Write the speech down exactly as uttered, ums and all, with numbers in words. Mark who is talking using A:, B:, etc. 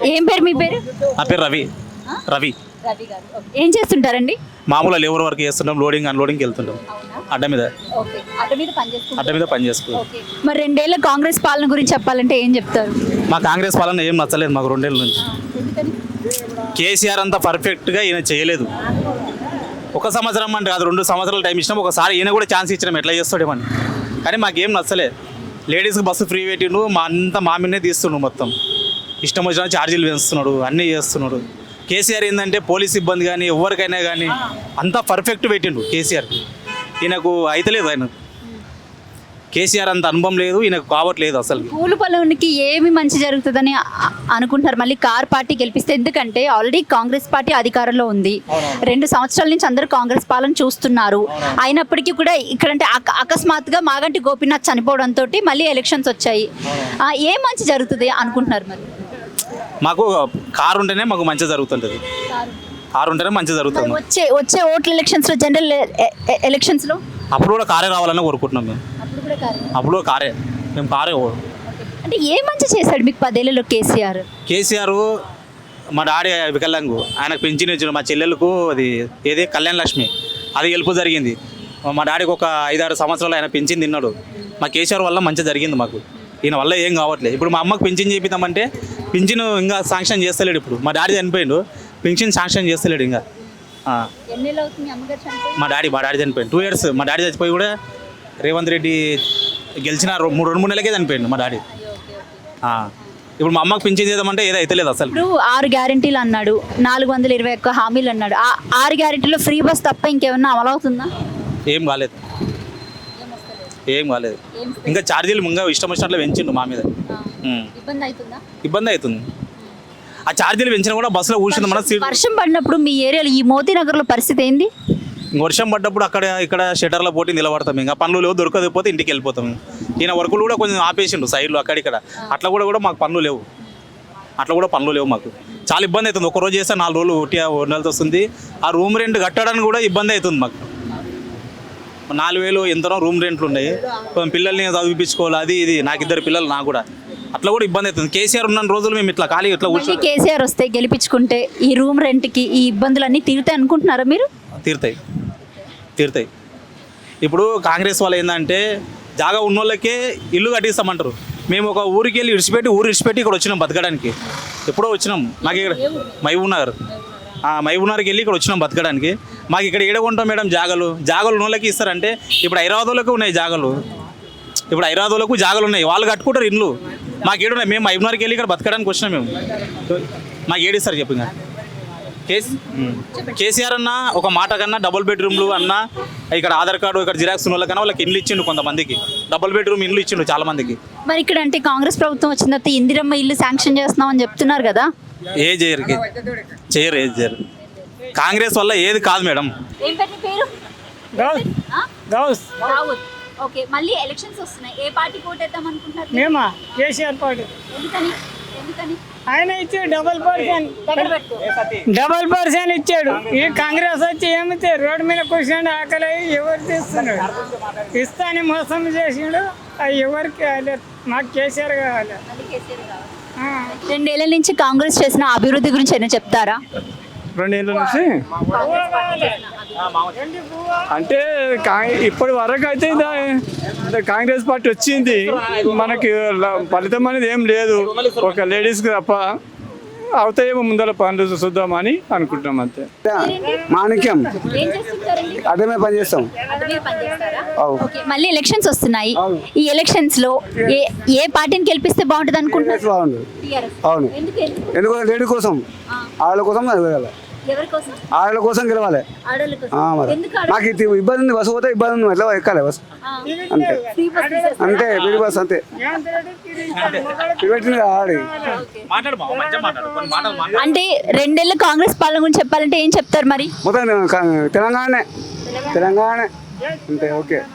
A: ఏం పేరు మీ పేరు?
B: నా పేరు రవి. రవి
A: రవి గారు. ఏం చేస్తుంటారండి?
B: మామూలుగా లేబర్ వర్క్ చేస్తుంటాం, లోడింగ్ అన్లోడింగ్కి వెళ్తుంటాం. అడ్డ మీద
A: ఓకే. అడ్డ మీద పని చేస్తుంటారు.
B: అడ్డ మీద పని చేసుకుంటాం.
A: ఓకే. మరి రెండేళ్ల కాంగ్రెస్ పాలన గురించి చెప్పాలంటే ఏం చెప్తారు?
B: మా కాంగ్రెస్ పాలన ఏం నచ్చలేదు మాకు రెండేళ్ళ నుంచి.
A: ఎందుకని?
B: కేసీఆర్ అంతా పర్ఫెక్ట్గా ఈయన చేయలేదు. ఒక సంవత్సరం అంటే కాదు, రెండు సంవత్సరాలు టైం ఇచ్చినాం. ఒకసారి ఈయన కూడా ఛాన్స్ ఇచ్చినాం, ఎట్లా చేస్తాడేమని. కానీ మాకేం నచ్చలేదు. లేడీస్కి బస్సు ఫ్రీ పెట్టిండు, మా అంతా మా మీదనే తీస్తుండు. మొత్తం ఇష్టం వచ్చిన ఛార్జీలు పెంచుతున్నాడు, అన్నీ చేస్తున్నాడు. కేసీఆర్ ఏంటంటే పోలీస్ సిబ్బంది కానీ ఎవరికైనా కానీ అంతా పర్ఫెక్ట్ పెట్టిండు కేసీఆర్. ఈయనకు అయితలేదు. ఆయన కేసీఆర్ అంత అనుభవం లేదు, ఈయనకు కావట్లేదు అసలు.
A: పూలు పొలానికి ఏమి మంచి జరుగుతుందని అ- అనుకుంటున్నారు మళ్ళీ కార్ పార్టీ గెలిపిస్తే? ఎందుకంటే ఆల్రెడీ కాంగ్రెస్ పార్టీ అధికారంలో ఉంది. రెండు సంవత్సరాల నుంచి అందరూ కాంగ్రెస్ పాలన చూస్తున్నారు. అయినప్పటికీ కూడా ఇక్కడంటే అక- అకస్మాత్తుగా మాగంటి గోపీనాథ్ చనిపోవడంతో మళ్ళీ ఎలక్షన్స్ వచ్చాయి. ఆ, ఏం మంచి జరుగుతుంది అనుకుంటున్నారు మరి?
B: మాకు కారు ఉంటేనే మాకు మంచి జరుగుతుంటుంది. కారు ఉంటేనే మంచి జరుగుతుంది.
A: వచ్చే వచ్చే ఓట్ల ఎలక్షన్స్ లో, జనరల్ ఎలక్షన్స్ లో
B: అప్పుడు కూడా కారే రావాలని కోరుకుంటున్నాం మేము.
A: అప్పుడు కూడా కారు.
B: అప్పుడు కూడా కారే, మేము కారే.
A: అంటే ఏ మంచి చేశాడు మీకు పదేళ్లలో కేసీఆర్?
B: కేసీఆర్ మా డాడీ వికలాంగు, ఆయనకు పెన్షన్ ఇచ్చిన. మా చెల్లెలకు అది ఏది కళ్యాణ లక్ష్మి, అది గెలుపు జరిగింది. మా డాడీకి ఒక ఐదారు సంవత్సరాలు ఆయన పెన్షన్ తిన్నాడు. మా కేసీఆర్ వల్ల మంచి జరిగింది మాకు. ఈయన వల్ల ఏం కావట్లేదు. ఇప్పుడు మా అమ్మకు పెన్షన్ చేపిద్దామంటే పెన్షన్ ఇంకా శాంక్షన్ చేస్తలేడు. ఇప్పుడు మా డాడీ చనిపోయిండు, పెన్షన్ శాంక్షన్ చేస్తలేడు ఇంకా. ఆ. మా డాడీ మా డాడీ చనిపోయింది టూ ఇయర్స్. మా డాడీ చచ్చిపోయి కూడా రేవంత్ రెడ్డి గెలిచిన రో- మూడు రెండు మూడు నెలలకే చనిపోయిండు మా డాడీ. ఆ. ఇప్పుడు మా అమ్మకు పింఛన్ చేద్దామంటే ఏదో అయితలేదు అసలు.
A: ఇప్పుడు ఆరు గ్యారెంటీలు అన్నాడు, నాలుగు వందల ఇరవై ఒక్క హామీలు అన్నాడు. ఆ ఆరు గ్యారెంటీలో ఫ్రీ బస్ తప్ప ఇంకేమన్నా అమలు అవుతుందా?
B: ఏం కాలేదు, ఏం కాలేదు. ఇంకా ఛార్జీలు ఇంకా ఇష్టం వచ్చినట్లు పెంచిండు మా మీద. ఉమ్.
A: ఇబ్బంది అవుతుందా?
B: ఇబ్బంది అవుతుంది. ఆ ఛార్జీలు పెంచినా కూడా బస్సులో కూర్చుంది మన సీట్.
A: వర్షం పడినప్పుడు మీ ఏరియాలో ఈ మోతీ నగర్ లో పరిస్థితి ఏంది?
B: వర్షం పడ్డప్పుడు అక్కడ ఇక్కడ షటర్ల పోటీ నిలబడతాం. ఇంకా పనులు లేవు, దొరకకపోతే ఇంటికి వెళ్ళిపోతాం. ఈయన వర్కులు కూడా కొంచెం ఆపేసిండు సైడ్లో అక్కడిక్కడ. అట్లా కూడా కూడా మాకు పనులు లేవు. అట్లా కూడా పనులు లేవు మాకు. చాలా ఇబ్బంది అవుతుంది. ఒక రోజు చేస్తే నాలుగు రోజులు ఒకటి నెలతో వస్తుంది. ఆ రూమ్ రెంట్ కట్టడానికి కూడా ఇబ్బంది అవుతుంది మాకు. నాలుగు వేలు ఎంతనో రూమ్ రెంట్లు ఉన్నాయి. కొంచెం పిల్లల్ని చదివిపించుకోవాలి, అది ఇది. నాకు ఇద్దరు పిల్లలు, నాకు కూడా అట్లా కూడా ఇబ్బంది అవుతుంది. కేసీఆర్ ఉన్న రోజులు మేము ఇట్లా ఖాళీ ఇట్లా
A: మళ్ళీ
B: కూర్చొని
A: కేసీఆర్ వస్తే గెలిపించుకుంటే ఈ రూమ్ రెంట్ కి ఈ ఇబ్బందులు అన్ని తీరుతాయి అనుకుంటున్నారా మీరు?
B: తీరుతాయి, తీరుతాయి. ఇప్పుడు కాంగ్రెస్ వాళ్ళు ఏంటంటే జాగా ఉన్నోళ్ళకే ఇల్లు కట్టిస్తామంటారు. మేము ఒక ఊరికి వెళ్ళి ఇడిచిపెట్టి ఊరు ఇడిచిపెట్టి ఇక్కడ వచ్చినాం బతకడానికి. ఎప్పుడో వచ్చినాం. మాకు ఇక్కడ మహబూబ్ నగర్, మహబూబ్ నగర్కి వెళ్ళి ఇక్కడ వచ్చినాం బతకడానికి. మాకు ఇక్కడ ఏడ కొంటాం మేడం జాగలు? జాగలు ఉన్నోళ్ళకి ఇస్తారంటే ఇప్పుడు హైదరాబాద్లోకి ఉన్నాయి జాగలు. ఇప్పుడు హైదరాబాద్లకు జాగలు ఉన్నాయి, వాళ్ళు కట్టుకుంటారు ఇండ్లు. మాకు ఏడున్నాయి. మేము మహబూబ్ నగర్కి వెళ్ళి ఇక్కడ బతకడానికి వచ్చినాం మేము. మాకు ఏడిస్తారు చెప్పు. ఇంకా కేసీ కేసీఆర్ అన్న ఒక మాట కన్నా డబుల్ బెడ్రూమ్లు అన్న ఇక్కడ ఆధార్ కార్డు ఇక్కడ జిరాక్స్ ఉన్న వాళ్ళకన్నా వాళ్ళకి ఇండ్లు ఇచ్చిండు. కొంతమందికి డబుల్ బెడ్రూమ్ ఇండ్లు ఇచ్చిండు చాలా మందికి.
A: మరి ఇక్కడ అంటే కాంగ్రెస్ ప్రభుత్వం వచ్చిన తర్వాత ఇందిరమ్మ ఇల్లు శాంక్షన్ చేస్తున్నాం అని చెప్తున్నారు కదా?
B: ఏ చేయరు, చేయరు, ఏది చేయరు. కాంగ్రెస్ వల్ల ఏది కాదు మేడం.
A: ఏం పేరు పేరు?
C: గౌస్
A: ఓకే. మళ్ళీ ఎలక్షన్స్ వస్తున్నాయి. ఏ పార్టీ ఓటేద్దాం అనుకుంటున్నారు?
C: మేమా కేసీఆర్ పార్టీ.
A: ఎందుకని? ఎందుకని?
C: ఆయన ఇచ్చాడు డబల్ పర్సెంట్,
A: దగ్గర పెట్టు.
C: డబల్ పర్సెంట్ ఇచ్చాడు. ఈ కాంగ్రెస్ వచ్చి ఏమితే రోడ్డు మీద కూర్చొని ఆకలి అయ్యి ఎవరు తీస్తున్నాడు? ఇస్తాని మోసం చేసిండు. అది ఎవరికి కాలేదు, మాకు కేసీఆర్ కావాలి.
A: మళ్ళీ కేసీఆర్ కావాలి.
C: ఆ.
A: రెండేళ్ల నుంచి కాంగ్రెస్ చేసిన అభివృద్ధి గురించి అయినా చెప్తారా?
D: రెండేళ్ళ నుంచి అంటే కా- ఇప్పటి వరకు అయితే ఇదా- కాంగ్రెస్ పార్టీ వచ్చింది. మనకి ల- ఫలితం అనేది ఏం లేదు, ఒక లేడీస్కి తప్ప. అవుతాయేమో ముందర పనులు చూద్దామని అనుకుంటున్నాం అంతే.
E: మాణిక్యం
A: ఏం చేస్తుంటారండి?
E: అడ్డమే పని చేస్తాం.
A: అదే పని చేస్తారా?
E: అవు.
A: ఓకే. మళ్ళీ ఎలక్షన్స్ వస్తున్నాయి.
E: అవును.
A: ఈ ఎలక్షన్స్ లో ఏ ఏ పార్టీని గెలిపిస్తే బాగుంటుంది అనుకుంటున్నారు?
E: బాగుంది.
A: టీఆర్ఎస్.
E: అవును.
A: ఎందుకు? ఎందుకు?
E: ఎందుకంటే లేడీ కోసం, ఆడల కోసం గెలవాలి.
A: ఎవరి కోసం?
E: ఆడల కోసం గెలవాలి.
A: ఆడోళ్ళ కోసం.
E: ఆ, మరి
A: ఎందుకు
E: మాకు
A: ఆడోళ్ళ-
E: ఇది ఇబ్బంది ఉంది. బస్సు పోతే ఇబ్బంది ఉంది, ఎట్లా ఎక్కాలి బస్సు?
A: ఆ.
E: అంతే
A: ఫ్రీ బస్ తీసేస్తారా?
E: అంతే ఫ్రీ బస్ అంతే. పెట్టింది ఆడి
B: మాట్లాడు బావ, మంచిగా మాట్లాడు. కొన్ని మాటలు మాట్లాడు.
A: అంటే రెండేళ్ల కాంగ్రెస్ పాలన గురించి చెప్పాలంటే ఏం చెప్తారు మరి?
E: మొత్తం తెలంగాణనే, తెలంగాణ అంతే. ఓకే.